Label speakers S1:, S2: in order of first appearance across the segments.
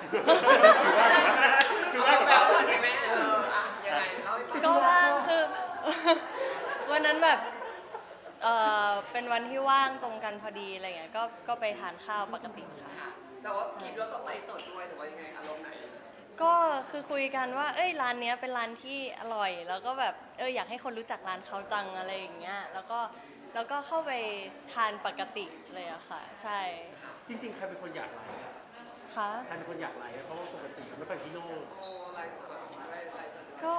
S1: คือว่าแบบใช่ไหมยังไงเล่าให้ฟัง
S2: ก็ว่างคือ วันนั้นแบบเป็นวันที่ว่างตรงกันพอดีอะไรเงี้ยก็ไปทานข้าวปกติค่ะ
S1: แต่ว่ากินแล้วต้องไลฟ์สดด้วยหรือว่ายังไงอารมณ์ไหน
S2: ก็คือคุยกันว่าเอ้ยร้านเนี้ยเป็นร้านที่อร่อยแล้วก็แบบอยากให้คนรู้จักร้านเขาจังอะไรอย่างเงี้ยแล้วก็เข้าไปทานปกติเลยอะค่ะใช่
S3: จริงๆใครเป็นคนอยากไลฟ์
S2: ค่ะ
S3: ใครเป็นคนอยากไลฟ์เพราะว่าปกติไม่ค่อยพี่โน่
S1: โอ้ไลฟ์สดไลฟ์สด
S2: ก็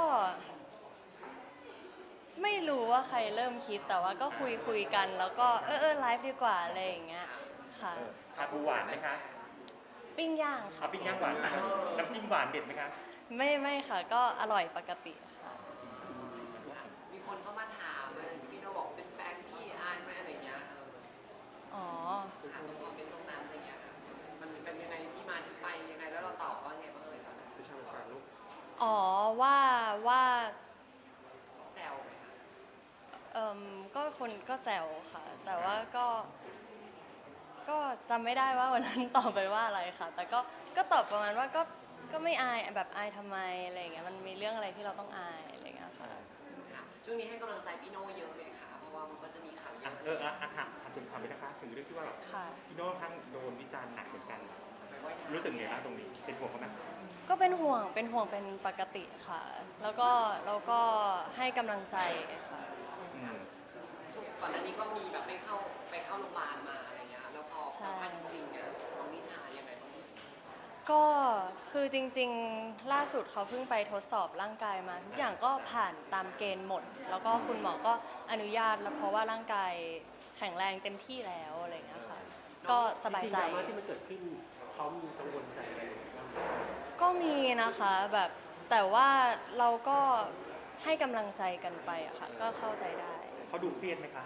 S2: ไม่รู้ว่าใครเริ่มคิดแต่ว่าก็คุยกันแล้วก็ไลฟ์ดีกว่าอะไรอย่างเงี้ยค่ะ
S4: ชาบูหวานไหมคะ
S2: ปิ้งย่างค่ะ
S4: ปิ้งย่างหวานน้ำจิ้มหวานเด็ดไหมคะ
S2: ไม่ค่ะก็อร่อยปกติค่ะ
S1: มีคนเข้ามาถามพี่โนบอกเป็นแฟนพี่อายไหมอะไรเงี้ย
S2: อ๋อ
S1: ค่ะตรงคอมเมนต์ตรงนั้นอะไรเงี้ยค่ะมันเป็นยังไงที่มาที่ไปยังไงแล้วเราตอบว่าไงบ้างตอนนั้น
S3: ไม่ใช่การลูก
S2: อ๋อว่า
S1: แซวไหมคะ
S2: ก็คนก็แซวค่ะแต่ว่าก็จำไม่ได้ว่าวันนั้นตอบไปว่าอะไรค่ะแต่ก็ตอบประมาณว่าก็ไม่อายแบบอายทำไมอะไรอย่างเงี้ยมันมีเรื่องอะไรที่เราต้องอายอะไรอย่างเงี้ยค่ะ
S1: ช่วงนี้ให้กำลังใจพี่โน่เยอะไหมคะเพราะว่ามันก็จะมีข่าวเยอะ
S4: ถามถึงความเป็นนะคะถึงเรื่องที่ว่าพี่โน้ทั้งโดนวิจารณ์หนักเหมือนกันรู้สึกไงบ้างตรงนี้เป็นห่วงเขาไหม
S2: ก็เป็นห่วงเป็นปกติค่ะแล้วก็ให้กำลังใจค่ะ
S1: ก่อนหน้านี้ก็มีแบบไปเข้าโรงพยาบาลมาอะไรเงี้ยแล้วพอสัมภาษณ์จริงๆเนี่ยน้องนิชายังไงบ้าง
S2: ก็คือจริงๆล่าสุดเขาเพิ่งไปทดสอบร่างกายมาทุกอย่างก็ผ่านตามเกณฑ์หมดแล้วก็คุณหมอก็อนุญาตแล้วเพราะว่าร่างกายแข็งแรงเต็มที่แล้วอะไรเงี้ยค่ะก็สบายใจ
S3: จริงๆดราม่าที่มันเกิดขึ้นเขามีกังวลใจอะไรบ้าง
S2: ก็มีนะคะแบบแต่ว่าเราก็ให้กำลังใจกันไปอะค่ะก็เข้าใจได้
S4: เขาดูเครียดไหมคะ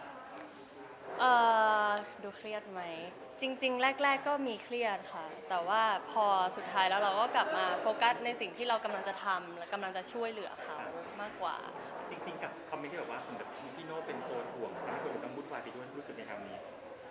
S2: ดูเครียดไหมจริงๆแรกๆก็มีเครียดค่ะแต่ว่าพอสุดท้ายแล้วเราก็กลับมาโฟกัสในสิ่งที่เรากำลังจะทำและกำลังจะช่วยเหลือเขามากกว่า
S4: จริงๆกับคอมเมนต์ที่แบบว่าเหมือนแบบพี่โน่เป็นตัวถ่วงทำให้คนอื่นต้องวุ่นวายไปด้วยรู้สึกในคำนี้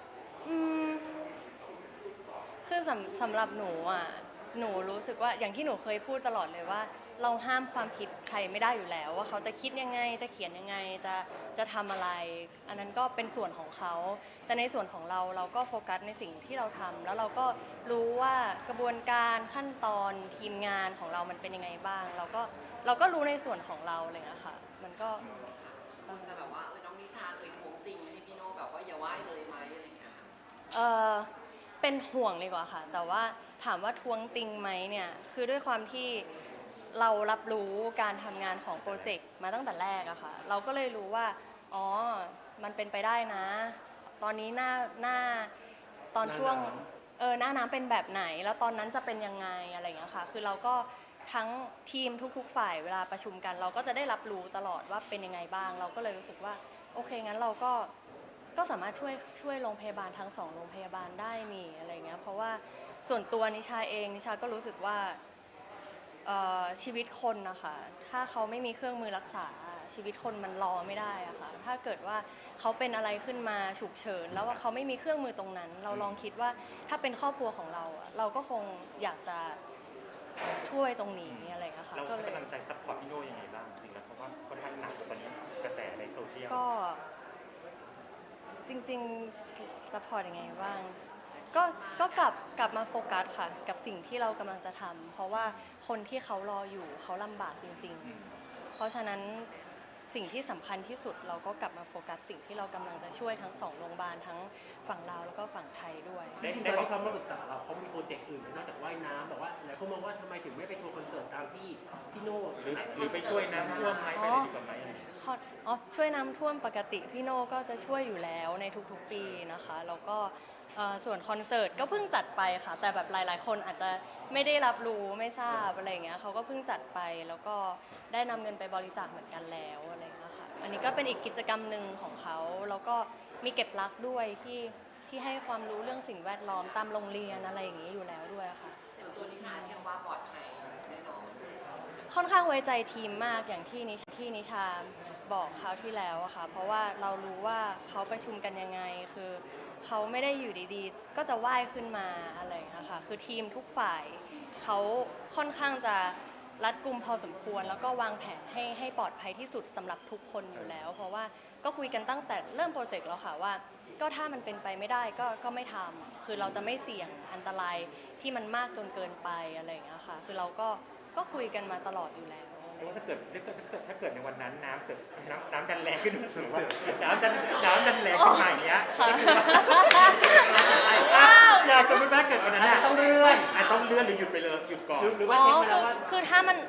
S2: คือสำหรับหนูอ่ะหนูรู้สึกว่าอย่างที่หนูเคยพูดตลอดเลยว่าเราห้ามความคิดใครไม่ได้อยู่แล้วว่าเขาจะคิดยังไงจะเขียนยังไงจะทำอะไรอันนั้นก็เป็นส่วนของเขาแต่ในส่วนของเราก็โฟกัสในสิ่งที่เราทำแล้วเราก็รู้ว่ากระบวนการขั้นตอนทีมงานของเรามันเป็นยังไงบ้างเราก็รู้ในส่วนของเราเลยอะค่ะมันก็
S1: คนจะแบบว่าน้องนิชาเคยท้วงติงให้พี่โน่แบบว่าอย่าไหว้เลยไหมอะไรเงี้ย
S2: เป็นห่วงดีกว่าค่ะแต่ว่าถามว่าท้วงติงไหมเนี่ยคือด้วยความที่เรารับรู้การทำงานของโปรเจกต์มาตั้งแต่แรกอะค่ะเราก็เลยรู้ว่าอ๋อมันเป็นไปได้นะตอนนี้หน้าตอนช่วงหน้าน้ำเป็นแบบไหนแล้วตอนนั้นจะเป็นยังไงอะไรอย่างเงี้ยค่ะคือเราก็ทั้งทีมทุกๆฝ่ายเวลาประชุมกันเราก็จะได้รับรู้ตลอดว่าเป็นยังไงบ้างเราก็เลยรู้สึกว่าโอเคงั้นเราก็สามารถช่วยโรงพยาบาลทั้ง2โรงพยาบาลได้นี่อะไรเงี้ยเพราะว่าส่วนตัวนิชาเองนิชาก็รู้สึกว่าชีวิตคนนะคะถ้าเขาไม่มีเครื่องมือรักษาชีวิตคนมันรอไม่ได้อะค่ะถ้าเกิดว่าเขาเป็นอะไรขึ้นมาฉุกเฉินแล้วว่าเขาไม่มีเครื่องมือตรงนั้นเราลองคิดว่าถ้าเป็นครอบครัวของเราเราก็คงอยากจะช่วยตรงนี้อะไรเงี้ยค่ะ
S4: ก็เลยกำลังใจซัพพอร์ตพี่โน่ยังไงบ้างจริงๆแล้วเพราะว่าค่อนข้างหนักตอนนี้กระแสในโซเชียล
S2: จริงๆซัพพอร์ตยังไงบ้างก็กลับมาโฟกัสค่ะกับสิ่งที่เรากำลังจะทำเพราะว่าคนที่เขารออยู่เขาลำบากจริงๆเพราะฉะนั้นสิ่งที่สำคัญที่สุดเราก็กลับมาโฟกัสสิ่งที่เรากำลังจะช่วยทั้ง2โรงพยาบาลทั้งฝั่งลาวแล้วก็ฝั่งไทยด้วย
S3: จริงๆตอนที่เขามาปรึกษาเราเขามีโปรเจกต์อื่นนอกจากว่ายน้ำแบบว่าหลายคนมองว่าทำไมถึงไม่ไปทัวร์คอนเสิร์ตตามที่พี่โน่
S4: หรือไปช่วยน้ำท่วมไหมไปอะไรดีกว่าไหม
S2: ช่วยน้ำท่วมปกติพี่โน่ก็จะช่วยอยู่แล้วในทุกๆปีนะคะแล้วก็ส่วนคอนเสิร์ตก็เพิ่งจัดไปค่ะแต่แบบหลายๆคนอาจจะไม่ได้รับรู้ไม่ทราบอะไรเงี้ยเขาก็เพิ่งจัดไปแล้วก็ได้นำเงินไปบริจาคเหมือนกันแล้วอะไรเงี้ยค่ะอันนี้ก็เป็นอีกกิจกรรมหนึ่งของเขาแล้วก็มีเก็บรักด้วยที่ให้ความรู้เรื่องสิ่งแวดล้อมตามโรงเรียนอะไรอย่างนี้อยู่แล้วด้วยค่ะ
S1: ส่วนตัวนิชาเชื่อว่าปลอดภัยแน่นอน
S2: ค่อนข้างไว้ใจทีมมากอย่างที่นิชาบอกคราวที่แล้วอะค่ะเพราะว่าเรารู้ว่าเขาประชุมกันยังไงคือเขาไม่ได้อยู่ดีๆก็จะว่ายขึ้นมาอะไรอย่างเงี้ยค่ะคือทีมทุกฝ่ายเขาค่อนข้างจะรัดกุมพอสมควรแล้วก็วางแผนให้ปลอดภัยที่สุดสำหรับทุกคนอยู่แล้ว เพราะว่าก็คุยกันตั้งแต่เริ่มโปรเจกต์แล้วค่ะว่าก็ถ้ามันเป็นไปไม่ได้ก็ไม่ทำคือเราจะไม่เสี่ยงอันตรายที่มันมากจนเกินไปอะไรอย่างเงี้ยค่ะคือเราก็คุยกันมาตลอดอยู่แล้ว
S4: เพราะว่าถ้าเกิดในวันนั้นน้ำเสร็จน้ำดันแรงขึ้นหรือว่าน้ำดันแรงขึ้นมาอย่างเงี้ย
S2: ค่ะ
S4: อยากจะไม่แม้เกิดวันนั้น
S3: ต้องเลื่อน
S4: ต้องเลื่อนหรือหยุดไปเลยหยุดก่อน
S3: หรือว่าเช็คมาแล้วว่า
S2: คือถ้ามัน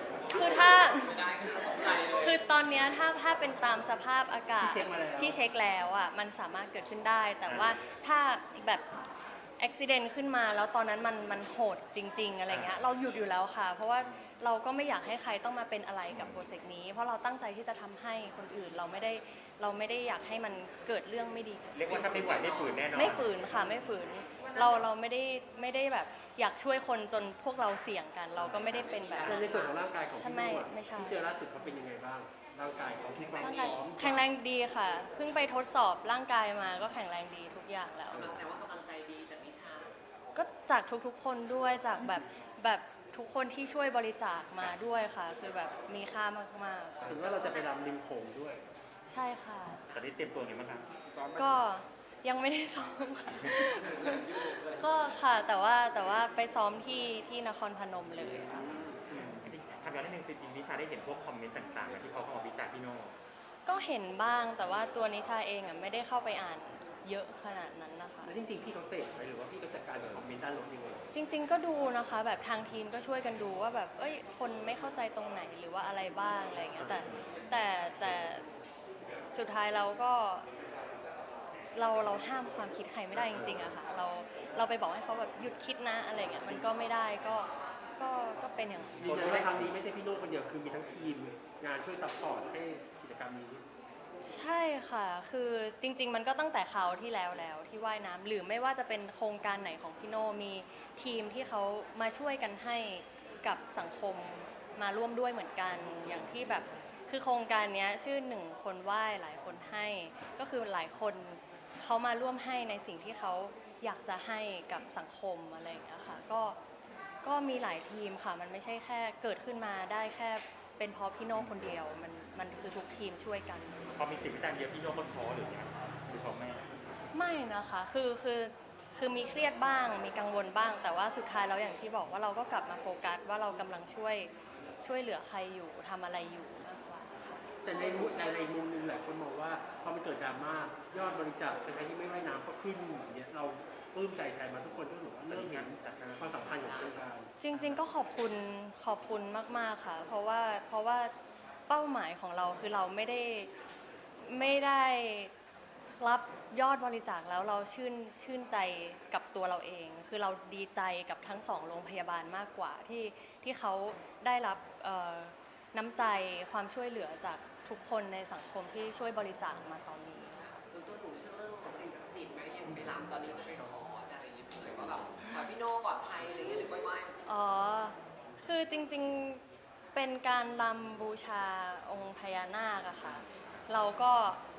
S2: คือตอนเนี้ยถ้าเป็นตามสภาพอากาศ
S3: ที่เช็คมาแล้ว
S2: ที่เช็คแล้วอ่ะมันสามารถเกิดขึ้นได้ แต่ว่าถ้าแบบอุบิเหตุขึ้นมาแล้วตอนนั้นมันโหดจริง ๆอะไรเงี้ยเราหยุดอยู่แล้วค่ะ เพราะว่าเราก็ไม่อยากให้ใครต้องมาเป็นอะไรกับโปรเจกต์นี้ เพราะเราตั้งใจที่จะทำให้คนอื่นเราไม่ได้อยากให้มันเกิดเรื่องไม่ดี
S4: เรียกว่าถ้าไม่ไหวไม่ฝืนแน่นอน
S2: ไม่ฝืนค่ะไม่ฝืนเราไม่ได้แบบอยากช่วยคนจนพวกเราเสี่ยงกัน เราก็ไม่ได้เป็นแบบ
S3: ในส่วนของร่างกายของพี่โน่อะ
S2: ไม่ใช่
S3: ที่เจอล่าสุดเขาเป็นยังไงบ้างร่างกายเขาคิดว่า
S2: ร่างกายแข็งแรงดีค่ะ เพิ่งไปทดสอบร่างกายมาก็แข็งแรงดีทุกอย่างแล้ว
S1: แต่ว่ากำลังใจดีจากนิชา
S2: ก็จากทุกๆคนด้วยจากแบบทุกคนที่ช่วยบริจาคมาด้วยค่ะ คือแบบมีค่ามากๆค่ะ
S3: เห็นว่าเราจะไปรำริมโขงด้วย
S2: ใช่ค่ะ
S4: ตอนนี้เตรียมตัวยังไงบ้างครับ
S2: ก็ยังไม่ได้ซ้อมค่ะ ก็ค่ะแต่ว่าไปซ้อมที่นครพนมเลยค่ะ
S4: ทำย้อนนิดนึงสิจริงนิชาได้เห็นพวกคอมเมนต์ต่างๆที่เขาเข้ามาวิจารณ์พี่โน่
S2: ก็เห็นบ้างแต่ว่าตัวนิชาเองอ่ะไม่ได้เข้าไปอ่านเยอะขนาดนั้นนะคะ
S3: แล้วจริงๆพี่เขาเสพไหมหรือว่าพี่ก็จัดการกับคอมเมนต์ด้านลบยังไง
S2: จริง ๆ ก็ดูนะคะแบบทางทีมก็ช่วยกันดูว่าแบบเอ้ยคนไม่เข้าใจตรงไหนหรือว่าอะไรบ้างอะไรอย่างเงี้ยแต่สุดท้ายเราก็เราห้ามความคิดใครไม่ได้จริงๆอะค่ะเราไปบอกให้เขาแบบหยุดคิดนะอะไรเงี้ยมันก็ไม่ได้ก็เป็นอย่างนั้น
S3: ยืนยันว่าครั้งนี้ไม่ใช่พี่โน่คนเดียวคือมีทั้งทีมงานช่วยซัพพอร์ตให้กิจกรรมนี้
S2: ใช่ค่ะคือจริง ๆ มันก็ตั้งแต่คราวที่แล้วที่ว่ายน้ำหรือไม่ว่าจะเป็นโครงการไหนของพี่โน่มีทีมที่เขามาช่วยกันให้กับสังคมมาร่วมด้วยเหมือนกันอย่างที่แบบคือโครงการนี้ชื่อ1 คนว่ายหลายคนให้ก็คือหลายคนเขามาร่วมให้ในสิ่งที่เขาอยากจะให้กับสังคมอะไรอย่างเงี้ยค่ะก็มีหลายทีมค่ะมันไม่ใช่แค่เกิดขึ้นมาได้แค่เป็นเพราะพี่โน่คนเดียวมันคือทุกทีมช่วยกัน
S4: พอมีสิ่งวิจารณ์เยอะพี่โน่เขาท้อหรือไงหรือเขาไม่
S2: ไม่นะคะคือมีเครียดบ้างมีกังวลบ้าง แต่ว่าสุดท้ายแล้วอย่างที่บอกว่าเราก็กลับมาโฟกัสว่าเรากำลังช่วยเหลือใครอยู่ทำอะไรอยู่มากกว่าค่ะ
S3: แต่ในมุมหนึงหลายคนมองว่าพอมันเกิดดราม่ายอดบริจาคใครที่ไม่ว่ายน้ำก็ขึ้นอย่างเงี้ยเราปลื้มใจแทนมาทุกคนก็ถือว่าเริ่มเห็นความสำคัญของโครงการ
S2: จริงๆก็ขอบคุณมากๆค่ะ เพราะว่าเป้าหมายของเราคือเราไม่ได้รับยอดบริจาคแล้วเราชื่นใจกับตัวเราเอง คือเราดีใจกับทั้ง2 โรงพยาบาลมากกว่าที่เขาได้รับน้ำใจความช่วยเหลือจากทุกคนในสังคมที่ช่วยบริจาคมาตอนนี้ค่ะ
S1: ส่วนตัวหนูเชื่อเรื่องของสิ่งศักดิ์สิทธิ์ไหมอย่างไปรำตอนนี้จะไปขอจะอะไรอย่างเงี้ยเลยว่าแบบขอพี่โน่ปลอดภัยอะไรเงี้ยหรือไหว้พี่
S2: อ๋อ คือจริงๆ เป็นการรำบูชาองค์พญานาคอะค่ะ เราก็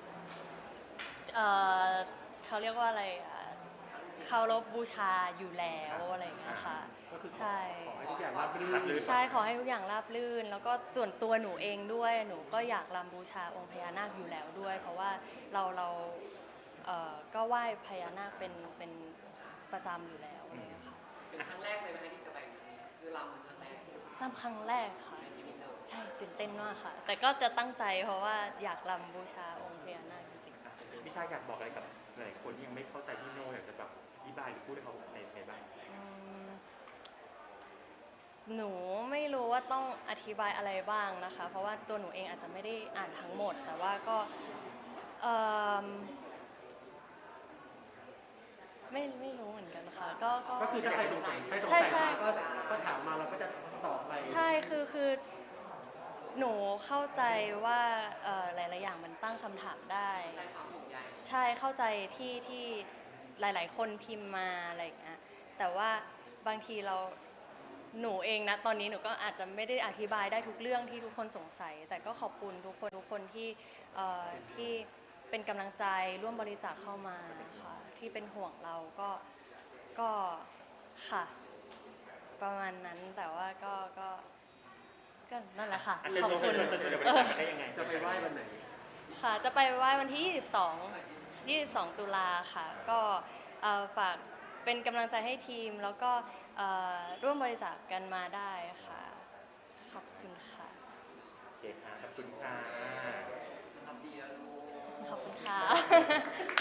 S2: เขาเรียกว่าอะไรอะเคารพบูชาอยู่แล้วอะไรอย่างเงี้ยค่ะ
S3: ก็คือขอ
S2: ใช่
S3: ให้ทุกอย่างราบรื่
S4: รับรื่
S3: น
S4: น
S2: ใช่ขอให้ทุกอย่างราบรื่น แล้วก็ส่วนตัวหนูเองด้วยหนูก็อยากรำบูชาองค์พญานาคอยู่แล้วด้วย เพราะว่าเราก็ไหว้พญานาคเป็นประจำอยู่แล้วอะไรอย่างเงี้ยค่ะ
S1: เป็นครั้งแรกเลยไหมคะที่จะไปครั้งนี้คือรำครั้งแรก
S2: รำครั้งแรกค่ะ
S1: ในชีวิตเรา
S2: ใช่ตื่นเต้นมากค่ะ แต่ก็จะตั้งใจเพราะว่าอยากรำบูชาองค์พญานาคจริง
S4: นิชาอยากบอกอะไรกับหลายคนที่ยังไม่เข้าใจพี่โน่อยากจะแบบอธิบายหรือพูดให้เขาในบ้าง
S2: ๆหนูไม่รู้ว่าต้องอธิบายอะไรบ้างนะคะ เพราะว่าตัวหนูเองอาจจะไม่ได้อ่านทั้งหมด แต่ว่าก็เอิ่มไม่รู้เหมือนกันค่ะ
S3: ก็คือถ้าใครสงสัย
S2: ใช่ใช่
S3: มาก็ถามมาเราก็จะตอบไป
S2: ใช่คือหนูเข้าใจว่าหลายๆอย่างมันตั้งคำถามได้
S1: ใจความห่วงใย
S2: ใช่เข้าใจที่หลายๆ คนพิมพ์มาอะไรอย่างเงี้ยแต่ว่าบางทีหนูเองนะตอนนี้หนูก็อาจจะไม่ได้อธิบายได้ทุกเรื่องที่ทุกคนสงสัย แต่ก็ขอบคุณทุกคนที่เป็นกำลังใจร่วมบริจาคเข้ามาค่ะที่เป็นห่วงเราก็ค่ะประมาณนั้นแต่ว่าก็นั่นแหละค่ะ
S4: อ่ะเชิญ
S2: ขอบ
S4: ชวน
S2: คุณ
S4: เชิญเดี๋ยวบริจาคกันได้ยังไง
S3: จะไปไหว้วันไหน
S2: ค่ะ จะไปไหว้วันที่ 22 ตุลาค่ะ ก็ฝากเป็นกำลังใจให้ทีม แล้วก็ร่วมบริจาคกันมาได้ค่ะ ขอบคุณค่ะ
S4: โอเคค่ะ ขอบคุณค่ะ
S1: ทำดีนะลูก
S2: ขอบคุณค่ะ